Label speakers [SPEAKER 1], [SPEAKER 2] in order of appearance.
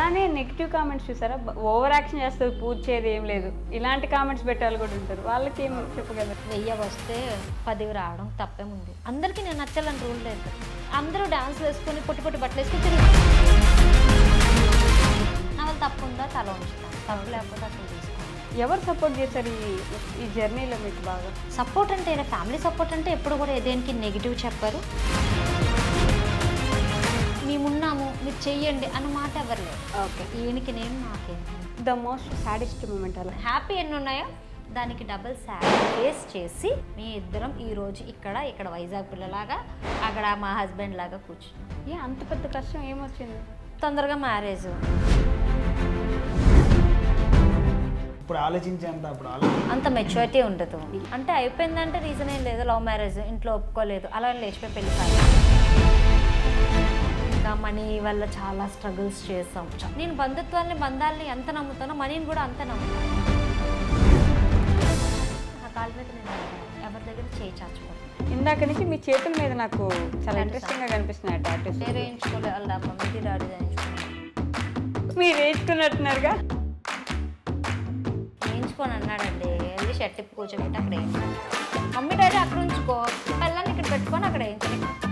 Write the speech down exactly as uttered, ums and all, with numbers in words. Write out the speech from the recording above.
[SPEAKER 1] అలానే negative comments చూసారా, over action చేస్తారు, పూజ చేయదు ఏం లేదు, ఇలాంటి కామెంట్స్ పెట్టే వాళ్ళు కూడా ఉంటారు. వాళ్ళకి ఏం చెప్పగలరు?
[SPEAKER 2] వెయ్యి వస్తే పదివి రావడం తప్పేముంది. అందరికీ నేను నచ్చాలని రూల్ లేదు. అందరూ డాన్స్ వేసుకొని పొట్టి పొట్టి బట్టలు వేసుకొని తిరిగి నా వాళ్ళు తప్పు ఉందా తల ఉంచుతాను, తప్పు లేకపోతే అసలు తీసుకోండి.
[SPEAKER 1] ఎవరు సపోర్ట్ చేశారు ఈ ఈ జర్నీలో మీకు బాగా?
[SPEAKER 2] సపోర్ట్ అంటే ఫ్యామిలీ సపోర్ట్ అంటే ఎప్పుడు కూడా దేనికి నెగిటివ్ చెప్పరు. మేమున్నాము మీరు చెయ్యండి అన్న మాట ఎవరు లేదు.
[SPEAKER 1] ఓకే.
[SPEAKER 2] ఈయనకి నేను నాకేం
[SPEAKER 1] ద మోస్ట్ సాడెస్ట్ మూమెంట్ అలా
[SPEAKER 2] హ్యాపీ ఎన్ని ఉన్నాయో దానికి డబుల్ సాడ్ ఫేస్ చేసి మీ ఇద్దరం ఈరోజు ఇక్కడ ఇక్కడ వైజాగ్ పిల్లలాగా అక్కడ మా హస్బెండ్ లాగా కూర్చున్నాం.
[SPEAKER 1] ఏ అంత పెద్ద కష్టం ఏమొచ్చింది?
[SPEAKER 2] తొందరగా మ్యారేజ్.
[SPEAKER 3] ఇప్పుడు ఆలోచించేంత అప్పుడు ఆలోచించి
[SPEAKER 2] అంత మెచ్యూరిటీ ఉండదు. అంటే అయిపోయిందంటే రీజన్ ఏం లేదు, లవ్ మ్యారేజ్, ఇంట్లో ఒప్పుకోలేదు, అలా లేచిపోయి పెళ్లి కాదు. ఇంకా మనీ వల్ల చాలా స్ట్రగుల్స్ చేసాం. నేను బంధుత్వాన్ని బంధాలని ఎంత నమ్ముతానో మనీని కూడా అంత నమ్ముతాను. నా కాళ్ళ మీద నేను ఎవరి దగ్గర చేయి చాచుకోను.
[SPEAKER 1] ఇందాక నుంచి మీ చేతుల మీద నాకు చాలా ఇంట్రెస్టింగ్గా కనిపిస్తున్నాయి టాటూస్.
[SPEAKER 2] నేను వేయించుకోలేదు, వాళ్ళ మమ్మీ డాడీ వేయించుకున్నాను.
[SPEAKER 1] మీరు వేయించుకున్నట్టున్నారుగా?
[SPEAKER 2] వేయించుకొని అన్నాడండి, వెళ్ళి షర్ట్ ఇప్పి కూర్చోబెట్టి అక్కడ వేయించుకో, మమ్మీ డాడీ అక్కడ ఉంచుకో, పిల్లల్ని ఇక్కడ పెట్టుకొని అక్కడ వేయించుకో.